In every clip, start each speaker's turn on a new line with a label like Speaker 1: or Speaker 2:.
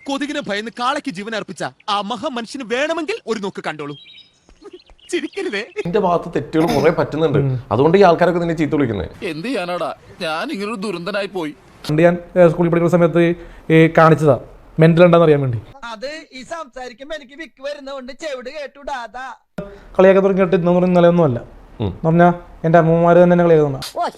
Speaker 1: കൊതുകിനെ ഭയന്ന് കാളയ്ക്ക് ജീവൻ അർപ്പിച്ച ആ മഹാമനുഷ്യന് വേണമെങ്കിൽ ഒരു നോക്ക് കണ്ടോളൂ. ചിരിക്കരുതേ.
Speaker 2: എന്റെ ഭാഗത്ത് തെറ്റുകൾ കുറെ പറ്റുന്നുണ്ട്. അതുകൊണ്ട് ഈ ആൾക്കാരൊക്കെ നിന്നെ ചീത്ത വിളിക്കുന്നത്.
Speaker 3: എന്ത് ചെയ്യാനാടാ, ഞാൻ ഇങ്ങനൊരു ദുരന്തനായി പോയി.
Speaker 4: ഞാൻ സ്കൂളിൽ പഠിക്കുന്ന സമയത്ത് കാണിച്ചതാ മെന്റൽ ഉണ്ടെന്ന് അറിയാൻ വേണ്ടി.
Speaker 5: അത് ഈ സംസാരിക്കുമ്പോ എനിക്ക് വിക്ക് വരുന്നോണ്ട് ചെവിട് കേട്ടുടാതാ.
Speaker 4: കളിയാക്കാൻ തുടങ്ങിയിട്ട് ഇന്നു നിലയൊന്നും അല്ല പറഞ്ഞാ എന്റെ അമ്മമാര് തന്നെ കളിയാക്കുന്ന.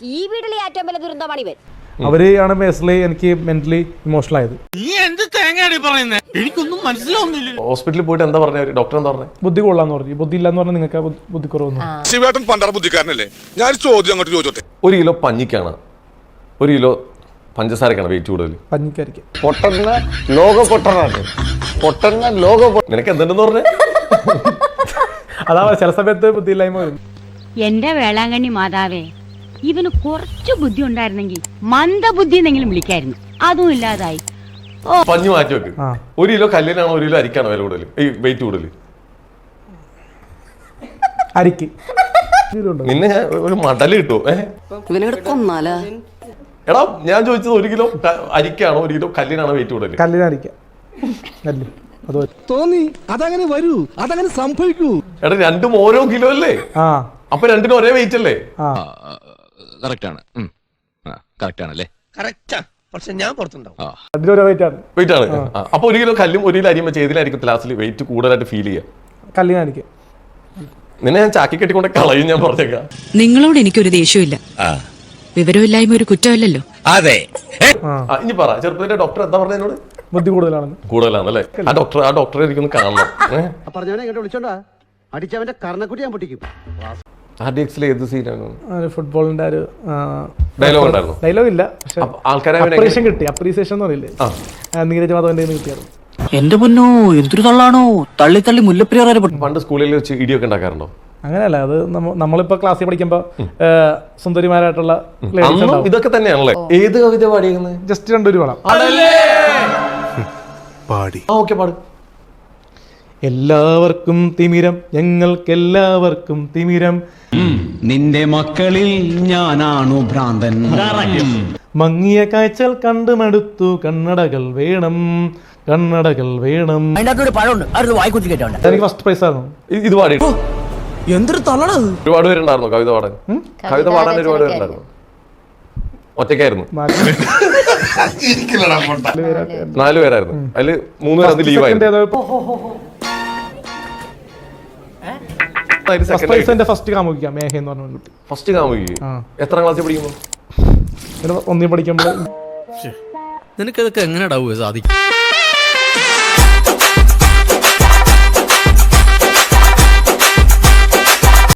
Speaker 4: അവര് ആണ് ബേസിലി എനിക്ക് മെന്റലി ഇമോഷണൽ ആയത്.
Speaker 1: എനിക്കൊന്നും മനസ്സിലാവുന്നില്ല.
Speaker 2: ഹോസ്പിറ്റലിൽ പോയിട്ട് എന്താ പറഞ്ഞ ഡോക്ടർ എന്താ പറഞ്ഞത്?
Speaker 4: ബുദ്ധി കൊള്ളാന്ന് പറഞ്ഞു. ബുദ്ധി ഇല്ലാന്ന് പറഞ്ഞാൽ നിങ്ങൾക്ക് ബുദ്ധി കുറവൊന്നും.
Speaker 6: ശിവേട്ടൻ പണ്ടറ ബുദ്ധിക്കാരനല്ലേ? ഞാൻ ചോദ്യം അങ്ങോട്ട് ചോദിച്ചോട്ടെ.
Speaker 2: 1 കിലോ പഞ്ഞിക്കാണ് 1 കിലോ പഞ്ചസാരക്കാണ് വെയിറ്റ് കൂടുതൽ?
Speaker 4: പഞ്ഞിക്കായിരിക്കും.
Speaker 2: നിനക്ക് എന്തുണ്ടെന്ന് പറഞ്ഞേ?
Speaker 4: അതാ ചില സമയത്ത് ബുദ്ധിയില്ലായ്മ വരും.
Speaker 7: എന്റെ വേളാങ്കണ്ണി മാതാവേ, ഇവന് കുറച്ചു ബുദ്ധി ഉണ്ടായിരുന്നെങ്കിൽ മന്ദബുദ്ധി എന്നെങ്കിലും വിളിക്കായിരുന്നു. അതും ഇല്ലാതായി.
Speaker 2: പഞ്ഞു മാറ്റി വെക്ക്. 1 കിലോ കല്ലിനാണോ 1 കിലോ അരിക്കാണോ വില കൂടുതൽ, ഈ വെയിറ്റ് കൂടുതൽ?
Speaker 4: അരിക്ക്.
Speaker 2: നിന്നെ ഞാൻ ഒരു മടല് കിട്ടുമോ? എടാ ഞാൻ ചോദിച്ചത് 1 കിലോ അരിക്കാണോ 1 കിലോ കല്ലിനാണോ വെയിറ്റ് കൂടുതൽ?
Speaker 4: കല്ലിനരിക്ക. കല്ല്
Speaker 8: തോന്നി അതങ്ങനെ വരൂ, അതങ്ങനെ സംഭവിക്കൂ.
Speaker 2: എടാ രണ്ടും ഓരോ കിലോ അല്ലേ? അപ്പൊ രണ്ടിനും ഒരേ വെയിറ്റ് അല്ലേ?
Speaker 3: കറക്റ്റ് ആണല്ലേ?
Speaker 5: പക്ഷെ ഞാൻ പുറത്തുണ്ടാവും.
Speaker 2: വെയിറ്റ് ആണ്. അപ്പൊ 1 കിലോ കല്ലും 1 കിലോ അരിയും വെച്ച് ഏതിലായിരിക്കും ലാസ്റ്റിൽ വെയിറ്റ് കൂടുതലായിട്ട് ഫീൽ ചെയ്യുക?
Speaker 4: കല്ലിനരിക്ക.
Speaker 2: നിന്നെ ഞാൻ ചാക്കി കെട്ടിക്കൊണ്ട് കളയും. ഞാൻ പറഞ്ഞേക്കാം,
Speaker 9: നിങ്ങളോട് എനിക്കൊരു ദേഷ്യമില്ല. വിവരമില്ലായ്മ ഒരു കുറ്റമല്ലല്ലോ.
Speaker 6: അതെ.
Speaker 2: ഇനി പറ, ചെറുപ്പത്തിന്റെ ഡോക്ടർ എന്താ പറഞ്ഞ എന്നോട്?
Speaker 4: ബുദ്ധി
Speaker 2: കൂടുതലാണല്ലേ? ആ ഡോക്ടറെ എനിക്കൊന്ന് കാണണം.
Speaker 5: പറഞ്ഞവനെ ഇങ്ങോട്ട് വിളിച്ചോണ്ടാ അടിച്ചവന്റെ കർണക്കുട്ടി ഞാൻ പൊട്ടിക്കും.
Speaker 2: RDXൽ ഏത് സീനാണ്?
Speaker 4: ഫുട്ബോളിന്റെ ഒരു
Speaker 2: ഡയലോഗ് ഉണ്ടായിരുന്നു.
Speaker 4: ഡയലോഗ് ഇല്ല,
Speaker 2: ആൾക്കാരെ
Speaker 4: കിട്ടി. അപ്രീസിയേഷൻ എന്ന് പറയില്ലേ, നീരജ് മാധവന്റെ കിട്ടിയായിരുന്നു.
Speaker 5: എന്റെ പൊന്നോ, എന്തൊരു തള്ളാണോ, തള്ളി തള്ളി മുല്ലപ്പെരിയാർ.
Speaker 2: പണ്ട് സ്കൂളിൽ വെച്ച് ഇടിയൊക്കെ ഉണ്ടാക്കാറുണ്ടോ?
Speaker 4: അങ്ങനെയല്ല, അത് നമ്മളിപ്പോ ക്ലാസ്സിൽ പഠിക്കുമ്പോ സുന്ദരിമാരായിട്ടുള്ള
Speaker 2: ഇതൊക്കെ തന്നെയാണല്ലേ? ഏത് കവിത പാടിയത്?
Speaker 4: ജസ്റ്റ് 2 പാടാം.
Speaker 6: പാടി.
Speaker 2: ഓക്കെ, പാട്.
Speaker 4: എല്ലാവർക്കും തിമിരം, ഞങ്ങൾക്കെല്ലാവർക്കും തിമിരം,
Speaker 8: നിന്റെ മക്കളിൽ ഞാനാണു ഭ്രാന്തൻ.
Speaker 4: മങ്ങിയ കാഴ്ചകൾ കണ്ടുമടുത്തു, കണ്ണടകൾ വേണം, കണ്ണടകൾ വേണം. എനിക്ക് ഫസ്റ്റ് പ്രൈസ് ആയിരുന്നു.
Speaker 2: ഇത് പാടി.
Speaker 5: എന്തൊരു തള്ളണത്.
Speaker 2: ഒരുപാട് പേരുണ്ടായിരുന്നു കവിത പാടാൻ? കവിത പാടാൻ ഒരുപാട് പേരുണ്ടായിരുന്നു. ഒറ്റയ്ക്കായിരുന്നു? 4 പേരായിരുന്നു. അതില് 3 പേര് ലീവ് ആയിരുന്നു.
Speaker 4: ഫസ്റ്റ് കാമുകിക്കാം മേഘ എന്ന് പറഞ്ഞ കുട്ടി.
Speaker 2: ഫസ്റ്റ് കാമുകി എത്രാം ക്ലാസ്സിൽ പഠിക്കുമ്പോ?
Speaker 4: 1 പഠിക്കുമ്പോ.
Speaker 8: നിനക്കതൊക്കെ എങ്ങനെ സാധിക്കും?